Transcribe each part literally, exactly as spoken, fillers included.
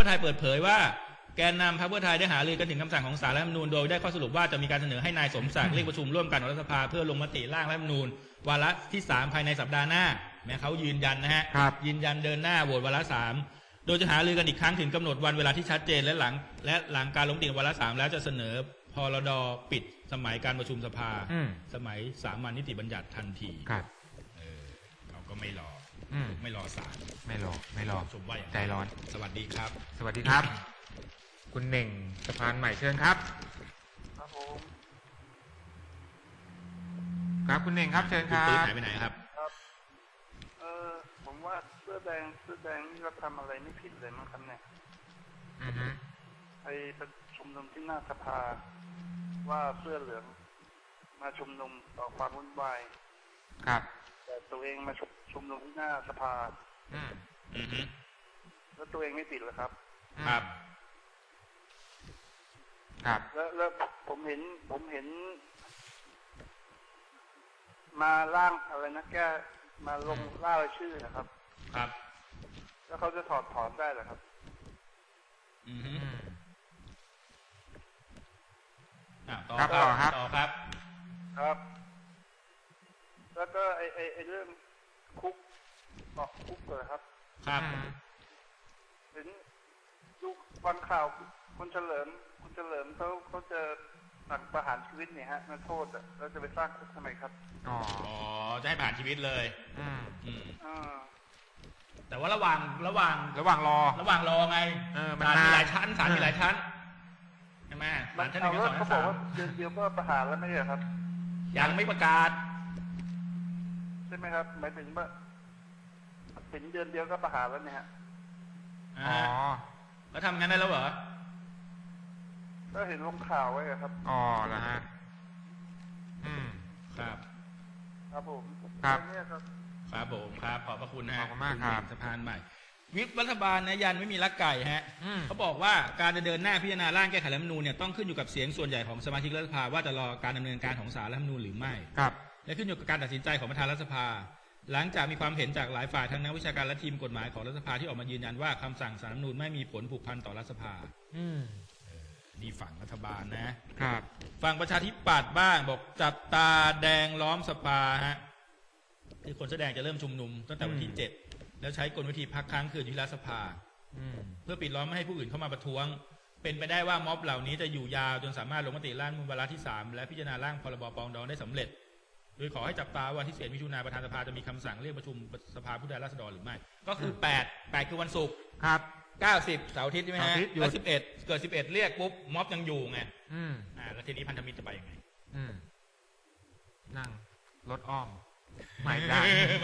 พื่อไทยเปิดเผยว่าแกนนำพรรคเพื่อไทยได้หารือกันถึงคำสั่งของศาลรัฐธรรมนูญโดยได้ข้อสรุปว่าจะมีการเสนอให้นายสมศักดิ์เรียกประชุมร่วมกันของรัฐสภาเพื่อลงมติร่างรัฐธรรมนูญวาระที่สามภายในสัปดาห์หน้าแม้เขายืนยันนะฮะยืนยันเดินหน้าโหวตวาระสามโดยจะหารือกันอีกครั้งถึงกำหนดวันเวลาที่ชัดเจนและหลังและหลังการลงมติวาระสามแล้วจะเสนอพรดปิดสมัยการประชุมสภาสมัยสามัญนิติบัญญัติทันทีครับเออเราก็ไม่รอไม่รอศาลไม่รอไม่รอชมว่าใจร้อนสวัสดีครับสวัสดีครับคุณเน่งสะพานใหม่เชิญครับครับผมครับคุณเน่งครับเชิญครับหายไปไหนครับครับเออผมว่าเสื้อแดงเสื้อแดงนี่เราทำอะไรไม่ผิดเลยมั้งครับเนี่ยอือฮึไปประชุมนุมที่หน้าสภาว่าเสื้อเหลืองมาชุมนุมต่อความวุ่นวายครับแต่ตัวเองมาชุมนุมที่หน้าสภาอืมอือฮึแล้วตัวเองไม่ผิดเหรอครับครับครับแล้วแล้วผมเห็นผมเห็นมาร่างอะไรนะแกมาลงล่ารายชื่อนะครับครับแล้วเขาจะถอดถอนได้เหรอครับอือฮึอ่ะต่อครับต่อครับครับแล้วก็ไอไอไอเรื่องคุกเกาะคุกเลยครับครับเห็นดูวันข่าวคุณเฉลิมคุณเฉลิมเขาเขาจะสั่งประหารชีวิตเนี่ยฮะนักโทษอ่ะแล้วจะไปสร้างคุกทำไมครับอ๋อจะให้ประหารชีวิตเลยอืมอืมอ่าแต่ว่าระหว่างระหว่างระหว่างรอระหว่างรอไงศาลมีหลายชั้นศาลมีหลายชั้นใช่ไหมศาลชั้นหนึ่งสองเขาบอกว่าเดือนเดียวก็ประหารแล้วไม่ใช่ครับยังไม่ประกาศใช่ไหมครับหมายถึงว่าถึงเดือนเดียวก็ประหารแล้วเนี่ยฮะอ๋อแล้วทำงั้นได้แล้วเหรอก็เห็นลงข่าวไว้ครับอ๋อแล้วฮะอืมครับครับผมครับครับผมครับขอบพระคุณนะขอบคุณมากครับสะพานใหม่วิปรัฐบาลนะยันไม่มีลักไก่ฮะเขาบอกว่าการจะเดินหน้าพิจารณาร่างแก้ไขรัฐธรรมนูญเนี่ยต้องขึ้นอยู่กับเสียงส่วนใหญ่ของสมาชิกรัฐสภาว่าจะรอการดำเนินการของศาลรัฐธรรมนูญหรือไม่ครับและขึ้นอยู่กับการตัดสินใจของประธานรัฐสภาหลังจากมีความเห็นจากหลายฝ่ายทั้งนักวิชาการและทีมกฎหมายของรัฐสภาที่ออกมายืนยันว่าคำสั่งศาลรัฐธรรมนูญไม่มีผลผูกพันต่อรัฐสภาอืมนี่ฝั่งรัฐบาลนะครับฝั่งประชาธิปัตย์บ้างบอกจับตาแดงล้อมสภาฮะคือคนแสดงจะเริ่มชุมนุมตั้งแต่วันที่เจ็ดแล้วใช้กลวิธีพักค้างคืนที่รัฐสภาเพื่อปิดล้อมไม่ให้ผู้อื่นเข้ามาประท้วงเป็นไปได้ว่าม็อบเหล่านี้จะอยู่ยาวจนสามารถลงมติร่างวาระที่สามและพิจารณาร่างพรบปรองดองได้สำเร็จโดยขอให้จับตาวันที่สิบเอ็ดมิถุนายนประธานสภาจะมีคำสั่งเรียกประชุมสภาผู้แทนราษฎรหรือไม่ก็คือแปด แปดคือวันศุกร์ครับเก้าสิบเสาร์อาทิตย์ใช่ไหมฮะแล้วสิบเอ็ดเกิดสิบเอ็ดเรียกปุ๊บม็อบยังอยู่ไงอืมอ่าแล้วทีนี้พันธมิตรจะไปยังไงอืมนั่งรถอ้อมไม่ได้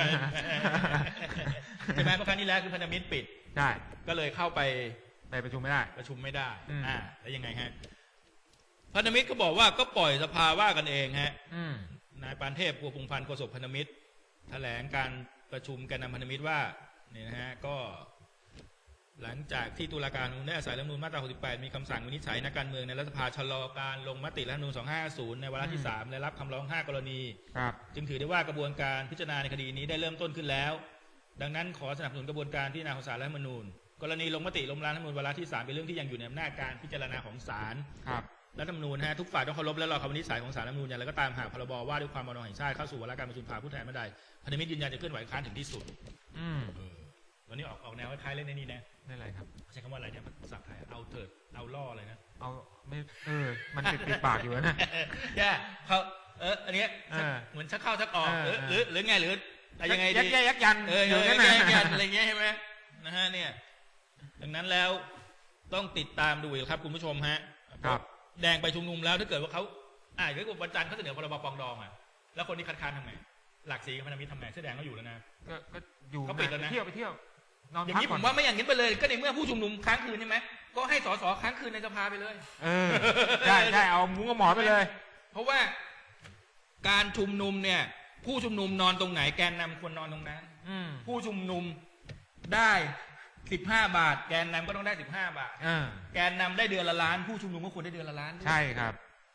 ใช่ไหมเพราะครั้งนี้แล้วคือพันธมิตรปิดใช่ก็เลยเข้าไปไปประชุมไม่ได้ประชุมไม่ได้อ่าแล้วยังไงฮะพันธมิตรก็บอกว่าก็ปล่อยสภาว่ากันเองฮะนายปานเทพ พัวพงษ์พันธ์โฆษกพันธมิตรแถลงการประชุมแกนนำพันธมิตรว่าเนี่ยนะฮะก็หลังจากที่ตุลาการได้อาศัยรัฐธรรมนูญมาตราหกสิบแปดมีคำสั่งวินิจฉัยนักการเมืองในรัฐสภาชะลอการลงมติรัฐธรรมนูญสองพันห้าร้อยห้าสิบในวาระที่สามและรับคำร้องห้ากรณีจึงถือได้ว่ากระบวนการพิจารณาในคดีนี้ได้เริ่มต้นขึ้นแล้วดังนั้นขอสนับสนุนกระบวนการพิจารณาของศาลรัฐธรรมนูญกรณีลงมติล้มล้างรัฐธรรมนูญวาระที่สามเป็นเรื่องที่ยังอยู่ในอำนาจการพิจารณาของศาลรัฐธรรมนูญฮะทุกฝ่ายต้องเคารพและรอคำวินิจฉัยของศาลรัฐธรรมนูญอย่างไรก็ตามหากพรบว่าด้วยความมั่นคงแห่งชาติเข้าสู่วาระการประชุมสภาผู้แทนเมื่อใดพันธมิตรยืนยันจะเคลื่อนไหวค้านถึงที่สุดอืมวันนี้ออกออกแนวคล้ายๆเล่นในนี้นะไม่อะไรครับใช้คำว่าอะไรเนี่ยภาษาไทยเอาเถิดเอาล่ออะไรนะเอาไม่เออมันติดติดปากอยู่นะแย่เขาเอออันนี้เหมือนชักเข้าชักออกหรือหรือหรือไงหรืออะไรยังไงดียักแย่ยักยันเออยักแย่ยักยันอะไรเงี้ยใช่ไหมนะฮะเนี่ยดังนั้นแล้วต้องติดตามดูครับคุณผู้ชมฮะครับแดงไปชุมนุมแล้วถ้าเกิดว่าเขาอ่าเกิดว่าวันจันทร์เขาเสนอพรบปรองดองอ่ะแล้วคนที่คัดค้านทำไงหลักสีกับพันธมิตรทำไงเสื้อแดงก็อยู่แล้วนะก็ก็อยู่เขาปิดแล้วนะเที่ยวไปเที่ยวอย่างนี้ผมว่าไม่อย่างนี้ไปเลยก็ในเมื่อผู้ชุมนุมค้างคืนใช่ไหมก็ให้สสค้างคืนในสภาไปเลยเออใช่ใช่เอามุ้งกับหมอนไปเลยเพราะว่าการชุมนุมเนี่ยผู้ชุมนุมนอนตรงไหนแกนนำควรนอนตรงนั้นผู้ชุมนุมได้สิบห้าบาทแกนนำก็ต้องได้สิบห้าบาทแกนนำได้เดือนละล้านผู้ชุมนุมก็ควรได้เดือนละล้านใช่ครับ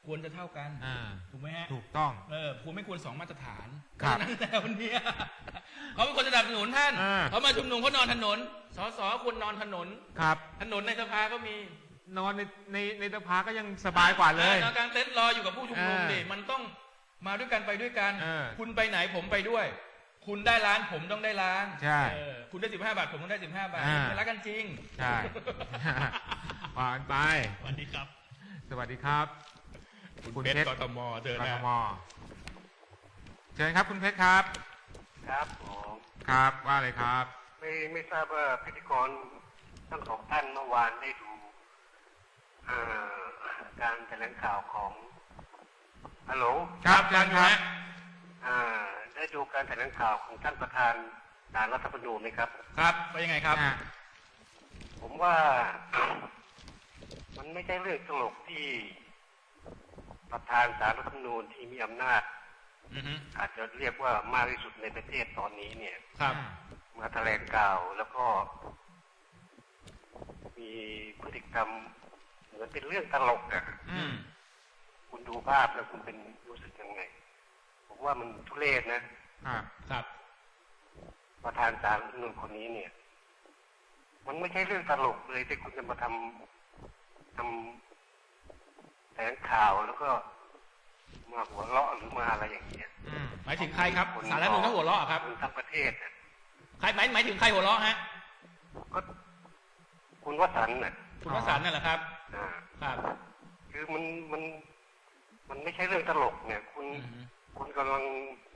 ควรจะเท่ากันอ่าถูกไหมฮะถูกต้องเออควรไม่ควรสองมาตรฐานครับนั่นแต่วันนี้เขาเป็นคนสนับสนุนท่านอ่าเขามาชุมนุมเขานอนถนนสสควรนอนถนนครับถนนในสภาก็มีนอนในในในสภาก็ยังสบายกว่าเลยนอนกลางเต็นท์รออยู่กับผู้ชุมนุมอ่าดิมันต้องมาด้วยกันไปด้วยกันเออคุณไปไหนผมไปด้วย คุณได้ล้านผมต้องได้ล้านใช่เออคุณได้สิบห้าบาทผมต้องได้สิบห้าบาทอ่ามันรักกันจริงใช่ ว่ากันไปสวัสดีครับสวัสดีครับคุณเพชรกทมเจอกทนะมเชิญครับคุณเพชรครับครับผมครับว่าเลยครับไม่ไม่ทราบว่าพิธีกรทั้งสองท่านเมื่อวานได้ดูอ่าการแถลงข่าวของฮัลโหลครับเชิญครับอ่าได้ดูการแถลงข่าวของท่านประธานศาลรัฐธรรมนูญไหมครับครับว่ายังไงครับอ่ะผมว่า มันไม่ใช่เรื่องตลกที่ประธานศาลรัฐธรรมนูญที่มีอำนาจอือฮึอาจจะเรียกว่ามากที่สุดในประเทศตอนนี้เนี่ยครับมาแถลงข่าวแล้วก็ มีพฤติกรรมเหมือนเป็นเรื่องตลกอ่ะอืมคุณดูภาพแล้วคุณเป็นรู้สึกยังไง ผมว่ามันทุเรศนะครับครับประธานศาลรัฐธรรมนูญคนนี้เนี่ย มันไม่ใช่เรื่องตลกเลยที่คุณจะมาทำทำแถลงข่าวแล้วก็มาหัวเราะหรือมาอะไรอย่างเงี้ยอืมหมายถึงใครครับสารรัฐธรรมนูญเขาหัวเราะครับคนทั้งประเทศน่ะใครหมายหมายถึงใครหัวเราะฮะก็คุณวสันต์น่ะคุณวสันต์นั่นแหละครับอ่าครับคือมันมันมันไม่ใช่เรื่องตลกเนี่ย คุณอือฮึคุณกำลัง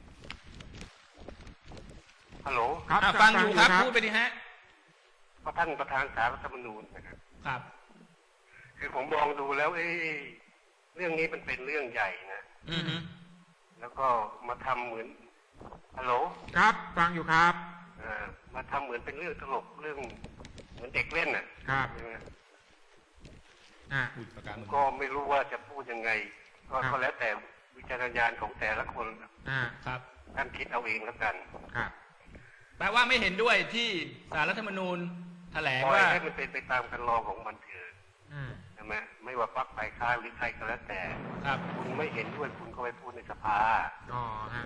ฮัลโหลครับอ่ะฟังอยู่ครับพูดไปดิฮะเพราะท่านประธานศาลรัฐธรรมนูญนะครับครับคือผมมองดูแล้วเอ้ยเรื่องนี้มันเป็นเรื่องใหญ่นะอือฮึแล้วก็มาทำเหมือนฮัลโหลครับฟังอยู่ครับอ่ามาทำเหมือนเป็นเรื่องตลกเรื่องเหมือนเด็กเล่นน่ะครับใช่ไหมอ่ะพูดประกาศมึงก็ไม่รู้ว่าจะพูดยังไง ก็ครับก็แล้วแต่วิจารณญาณของแต่ละคนอ่ะครับท่านคิดเอาเองแล้วกันครับแปลว่าไม่เห็นด้วยที่สารรัฐธรรมนูญแถลงปล่อยว่าให้มันเป็นไปตามคันลองของมันเถิดอืมใช่ไหมไม่ว่าพรรคฝ่ายค้านหรือใครก็แล้วแต่ครับคุณไม่เห็นด้วยคุณก็ไปพูดในสภาอ๋อฮะ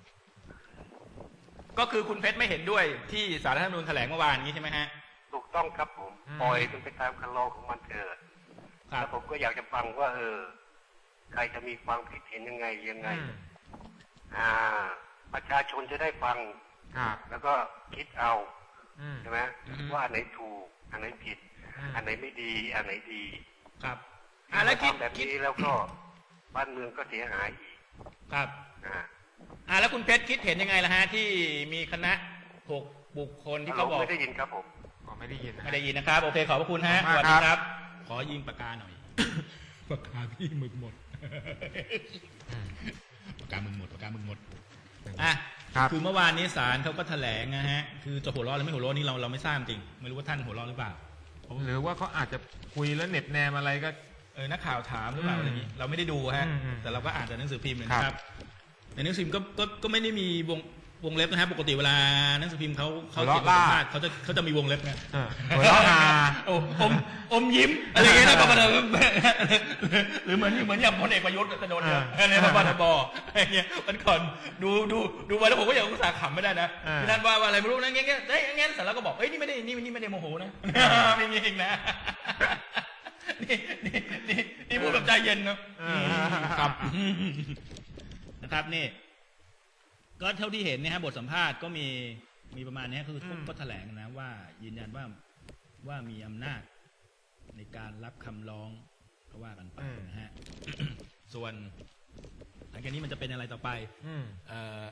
ก็คือคุณเพชรไม่เห็นด้วยที่สารรัฐธรรมนูญแถลงเมื่อวานนี้ใช่ไหมฮะถูกต้องครับผมปล่อยมันไปตามคันลองของมันเถิดครัแล้บวผมก็อยากจะฟังว่า เออ ใครจะมีความคิดเห็นยังไงยังไงอืมอ่า ประชาชนจะได้ฟังครับแล้วก็คิดเอาอืมใช่ไหมอือฮึว่าอันไหนถูก อันไหนผิดอืมอันไหนไม่ดี อันไหนดีครับอ่ะแล้วคิดทำแบบคิดนี้แล้วก็บ้านเมืองก็เสียหายอีกครับอ่าอ่ะแล้วคุณเพชรคิดเห็นยังไงล่ะฮะที่มีคณะหกบุคคลที่เขาบอกไม่ได้ยินครับผมอ๋อไม่ได้ยินนะไม่ได้ยินนะครับ โอเคขอบพระคุณฮะขอบสคุณมากวัสดีครับครับ ขอยิงปากกาหน่อย ปากกาพี่มึกหมดอืมปากกามึงหมดปากกามึงหมดอ่ะครับคือเมื่อวานนี้ศาลเขาก็แถลงนะฮะคือจะหัวเราะหรือไม่หัวเราะนี่เราเราไม่ทราบจริงไม่รู้ว่าท่านหัวเราะหรือเปล่าหรือว่าเขาอาจจะคุยแล้วเหน็บแนมอะไรก็เออนักข่าวถามหรือเปล่าอืมอะไรอย่างนี้เราไม่ได้ดูฮะอืมอืมแต่เราก็อ่านจากหนังสือพิมพ์เลยครับนะครับในหนังสือพิมพ์ก็ก็ก็ไม่ได้มีวงวงเล็บนะฮะปกติเวลาหนังสือพิมพ์เขาเขาเขียนบทสัมภาษณ์เขาจะเขาจะมีวงเล็บนะเออหัวเราะฮาโอ้อมอมยิ้มอะไรอย่างเงี้ยนะปปทหรือเหมือนเหมือนอย่างพลเอกประยุทธ์จะโดนเนี่ยอะไรปปทบอะไรเงี้ยมันก่อนดูดูดูไปแล้วผมก็ยังอุตส่าห์ขำไม่ได้นะที่ท่านว่าว่าอะไรไม่รู้นะเงี้ยเงี้ยเฮ้ยงั้นเสร็จแล้วก็บอกเอ้ยนี่ไม่ได้นี่นี่ไม่ได้โมโหนะไม่มีเองนะนี่นี่นี่นี่พูดแบบใจเย็นนะเออครับนะครับนี่ก็เท่าที่เห็นนะฮะบทสัมภาษณ์ก็มีมีประมาณนี้คือทุกก็แถลงนะว่ายืนยันว่าว่ามีอำนาจในการรับคำร้องก็ว่ากันไปนะฮะ ส่วนหลังจากนี้มันจะเป็นอะไรต่อไปอืมเออ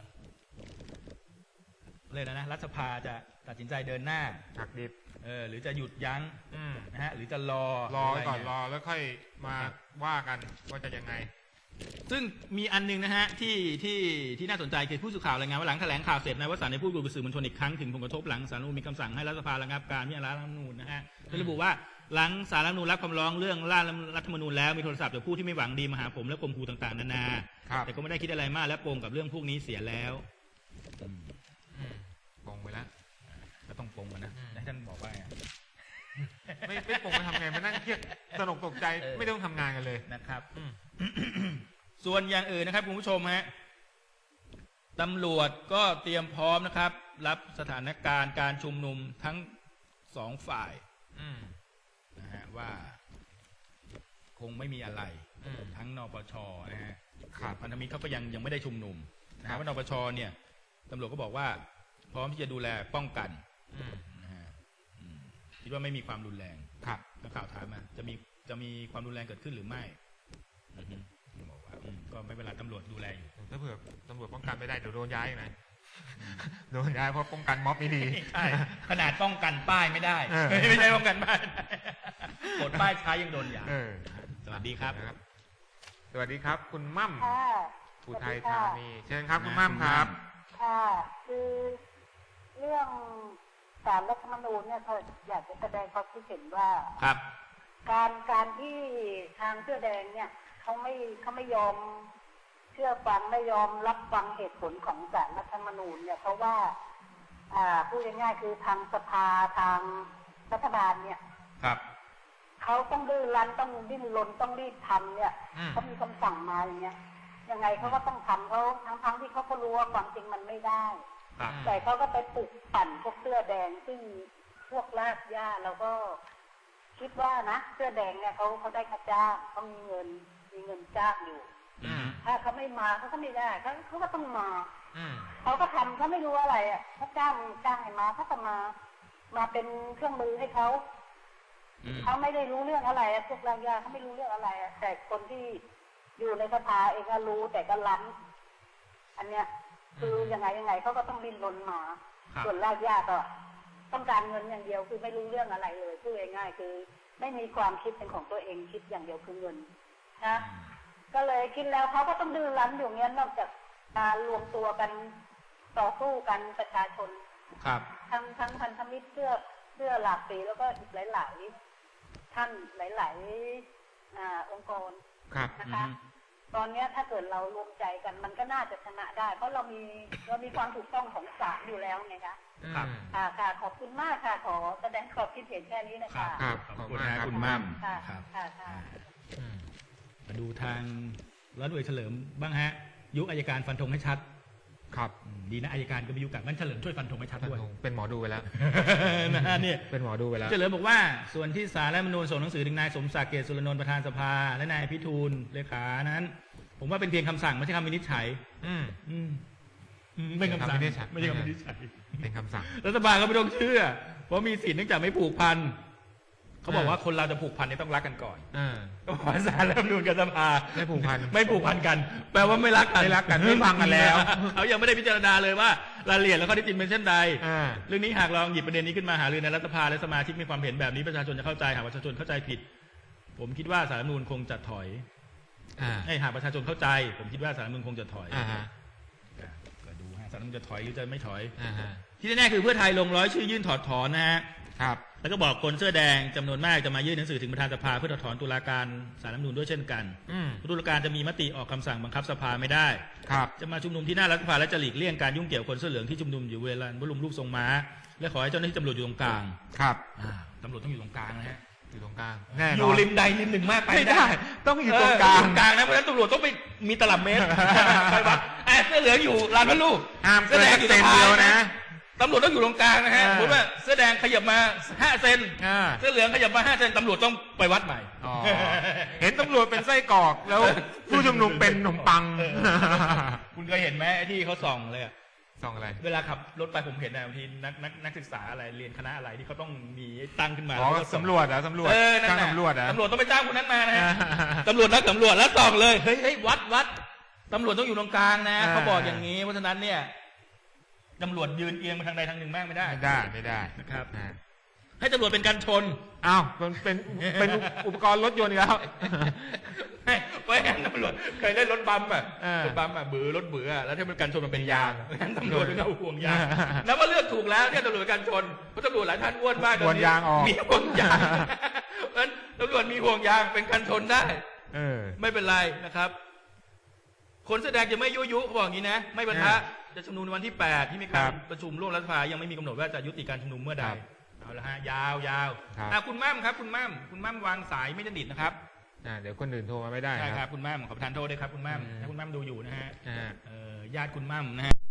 เลยนะนะรัฐสภาจะตัดสินใจเดินหน้าหักดิบเออหรือจะหยุดยั้งอืมนะฮะหรือจะรอรอหไว้ะไรก่อนเงี้ยรอแล้วค่อยมาว่ากันว่าจะยังไงซึ่งมีอันนึงนะฮะที่ที่ที่น่าสนใจคือผู้สื่อข่าวรายงานว่าหลังแถลงข่าวเสร็จนายวสันต์ได้พูดคุยกับสื่อมวลชนอีกครั้งถึงผลกระทบหลังศาลรัฐธรรมนูญมีคำสั่งให้รัฐสภาระงับการพิจารณารัฐธรรมนูญนะฮะโดยระบุว่าหลังศาลรัฐธรรมนูญรับคำร้องเรื่องร่างรัฐธรรมนูญแล้วมีโทรศัพท์จากผู้ที่ไม่หวังดีมาหาผมและข่มขู่ต่างๆนานาครับแต่ก็ไม่ได้คิดอะไรมากและปรงกับเรื่องพวกนี้เสียแล้วอืมอืมปงไปแล้วก็ต้องปรงกันนะอืมให้ท่านบอกว่าไงไม่ไม่ปลุกมาทำไงมานั่งเครียดตนกตกใจไม่ต้องทำงานกันเลยนะครับส่วนอย่างอื่นนะครับคุณผู้ชมฮะตำรวจก็เตรียมพร้อมนะครับรับสถานการณ์การชุมนุมทั้งสองฝ่ายนะฮะว่าคงไม่มีอะไรทั้งนปชนะฮะพันธมิตรเขาก็ยังยังไม่ได้ชุมนุมนะฮะว่านปชเนี่ยตำรวจก็บอกว่าพร้อมที่จะดูแลป้องกันนะฮะคิดว่าไม่มีความรุนแรงครับนักข่าวถามมาจะมีจะมีความรุนแรงเกิดขึ้นหรือไม่บอกว่าก็ไม่เป็นไรตำรวจดูแลอยู่ถ้าเผื่อตำรวจป้องกันไม่ได้เดี๋ยวโดนย้ายไงโดนย้ายเพราะป้องกันม็อบไม่ดีใช่ขนาดป้องกันป้ายไม่ได้ไม่ใช่ป้องกันป้ายกดป้ายช้ายังโดนย้ายสวัสดีครับสวัสดีครับคุณมั่มอุทัยธานีเชิญครับคุณมั่มครับค่ะคือเรื่องศาลรัฐธรรมนูญเนี่ยเขาอยากจะแสดงความคิดเห็นว่าครับการการที่ทางเสื้อแดงเนี่ยเขาไม่เขาไม่ยอมเชื่อฟังไม่ยอมรับฟังเหตุผลของศาลรัฐธรรมนูญเนี่ยเพราะว่าอ่าพูดง่ายๆคือทางสภาทางรัฐบาลเนี่ยครับเขาต้องดื้อรั้นต้องดิ้นรนต้องรีบทำเนี่ยเขามีคำสั่งมาอย่างเงี้ยยังไงเขาก็ต้องทำเขาทั้งๆที่เขาก็รู้ว่าความจริงมันไม่ได้แต่เขาก็ไปปลุกปั่นพวกเสื้อแดงซึ่งพวกลากย่าแล้วก็คิดว่านะเสื้อแดงเนี่ยเขาเขาได้ค่าจ้างเขามีเงินมีเงินจ้างอยู่ถ้าเขาไม่มาเขาก็ไม่ได้เขาเขาก็ต้องมาเขาก็ทำเขาไม่รู้อะไรอ่ะเขาจ้างจ้างให้มาเขาก็มามาเป็นเครื่องมือให้เขาเขาไม่ได้รู้เรื่องอะไรพวกลากย่าเขาไม่รู้เรื่องอะไรแต่คนที่อยู่ในสภาเองก็รู้แต่ก็ล้ำอันเนี้ยคือยังไงยังไงเขาก็ต้องดิ้นรนมาส่วนลากย่าก็ต้องการเงินอย่างเดียวคือไม่รู้เรื่องอะไรเลยพูดง่ายๆคือไม่มีความคิดเป็นของตัวเองคิดอย่างเดียวคือเงินนะก็เลยคิดแล้วเขาก็ต้องดื้อรั้นอยู่เงี้ยนอกจากการรวมตัวกันต่อสู้กันประชาชนครับทั้งทั้งพันธมิตรเสื้อเสื้อหลากสีแล้วก็อีกหลายๆท่านหลายๆอ่าองค์กรนะคะตอนนี้ถ้าเกิดเรารวมใจกันมันก็น่าจะชนะได้เพราะเรามีเรามีความถูกต้องของศาลอยู่แล้วไงคะครับค่ะค่ะขอบคุณมากค่ะขอแสดงความคิดเห็นแค่นี้นะคะครับขอบคุณนะคุณมั่มค่ะค่ะค่ะมาดูทางร้อยตำรวจเฉลิมบ้างฮะยุคอัยการฟันธงให้ชัดครับดีนะอัยการก็ไม่ยุกักงั้นเฉลิมช่วยฟันธงให้ชัดด้วยเป็นหมอดูไปแล้วนะเนี่ยเป็นหมอดูไปแล้วเฉลิมบอกว่าส่วนที่ศาลรัฐธรรมนูญส่งหนังสือถึงนายสมศักดิ์เกษสุรนนท์ประธานสภาและนายพิทูลเลขานั้นผมว่าเป็นเพียงคำสั่งไม่ใช่คำวินิจฉัยอืมอืมไม่คำสั่งไม่ใช่คำวินิจฉัยเป็นคำสั่งรัฐบาลก็ไม่ต้องเชื่อเพราะมีสิทธิ์เนื่องจากไม่ผูกพันเขาบอกว่าคนเราจะผูกพันนี่ต้องรักกันก่อนก็ขอศาลรัฐธรรมนูญกับสภาไม่ผูกพันไม่ผูกพันกันแปลว่าไม่รักกันไม่รักกันไม่ฟังกันแล้วเขายังไม่ได้พิจารณาเลยว่ารายละเอียดและข้อเท็จจริงเป็นเช่นใดเรื่องนี้หากลองหยิบประเด็นนี้ขึ้นมาหารือในรัฐสภาและสมาชิกมีความเห็นแบบนี้ประชาชนจะเข้าใจหากประชาชนเข้าใจผิดผมคิดว่าศาลรัฐธรรมนูญคงจะถอยให้หากประชาชนเข้าใจผมคิดว่าศาลรัฐธรรมนูญคงจะถอยก็ดูฮะศาลรัฐธรรมนูญจะถอยหรือจะไม่ถอยที่แน่ๆคือเพื่อไทยลงร้อยชื่อยื่นถอดถอนนะฮะครับแล้วก็บอกคนเสื้อแดงจำนวนมากจะมายื่นหนังสือถึงประธานสภาเพื่อถอดถอนตุลาการศาลรัฐธรรมนูญด้วยเช่นกันตุลาการจะมีมติออกคำสั่งบังคับสภาไม่ได้จะมาชุมนุมที่หน้ารัฐสภาและจะหลีกเลี่ยงการยุ่งเกี่ยวคนเสื้อเหลืองที่ชุมนุมอยู่บริเวณบรมรูปทรงม้าและขอให้เจ้าหน้าที่ตำรวจอยู่ตรงกลางครับตำรวจต้องอยู่ตรงกลางนะฮะอยู่ตรงกลางอยู่ริมใดริมหนึ่งมากไปไม่ได้ต้องอยู่ตรงกลางกลางนะเพราะฉะนั้นตำรวจต้องไปมีตลับเมตรไปวัดเสื้อเหลืองอยู่ลานพระลูกห้ามเสื้อแดงอยู่ตรงกลางนะตำรวจต้องอยู่ตรงกลางนะฮะสมมติว่าเสื้อแดงขยับมาห้าเซนเสื้อเหลืองขยับมาห้าเซนตำรวจต้องไปวัดใหม่เห็นตำรวจเป็นไส้กรอกแล้วผู้ชุมนุมเป็นขนมปังคุณเคยเห็นไหมที่เขาส่องเลยส่องอะไรเวลาขับรถไปผมเห็นนะบางทีนักนักนักศึกษาอะไรเรียนคณะอะไรที่เขาต้องมีตั้งขึ้นมาอ๋อสำรวจเหรอสำรวจจ้างตำรวจเหรอตำรวจต้องไปจ้างคนนั้นมานะฮะตำรวจนักสำรวจแล้วส่องเลยเฮ้ยเฮ้ยวัดวัดตำรวจต้องอยู่ตรงกลางนะเขาบอกอย่างนี้เพราะฉะนั้นเนี่ยตำรวจยืนเอียงไปทางใดทางหนึ่งมากไม่ได้ไม่ได้ไม่ได้นะครับให้ตำรวจเป็นการชนอ้าวมันเป็นเป็นอุปกรณ์รถยนต์แล้วไม่งั้นตำรวจเคยเล่นรถบัมอ่ะรถบัมอ่ะบือรถเบื่อแล้วถ้ามันการชนมันเป็นยางงั้นตำรวจต้องเอาห่วงยางแล้วว่าเลือกถูกแล้วเนี่ยตำรวจการชนเพราะตำรวจหลายท่านอ้วนมากตอนนี้มีห่วงยางเพราะฉะนั้นตำรวจมีห่วงยางเป็นการชนได้ไม่เป็นไรนะครับคนแสดงจะไม่ยุยุเขาบอกอย่างนี้นะไม่บรรทะจะชุมนุมในวันที่แปดที่มีการประชุมร่วมรัฐสภายังไม่มีกำหนดว่าจะยุติการชุมนุมเมื่อใดเอาละฮะยาวยาวครับอ่ะคุณมั่มครับคุณมั่มคุณมั่มวางสายไม่สนิทนะครับอ่าเดี๋ยวคนอื่นโทรมาไม่ได้ใช่คครัรับบ คุณมั่มขอประทานโทษด้วยครับคุณมั่มอืมถ้าคุณมั่มดูอยู่นะฮะอ่าเอ่อญาติคุณมั่มนะฮะ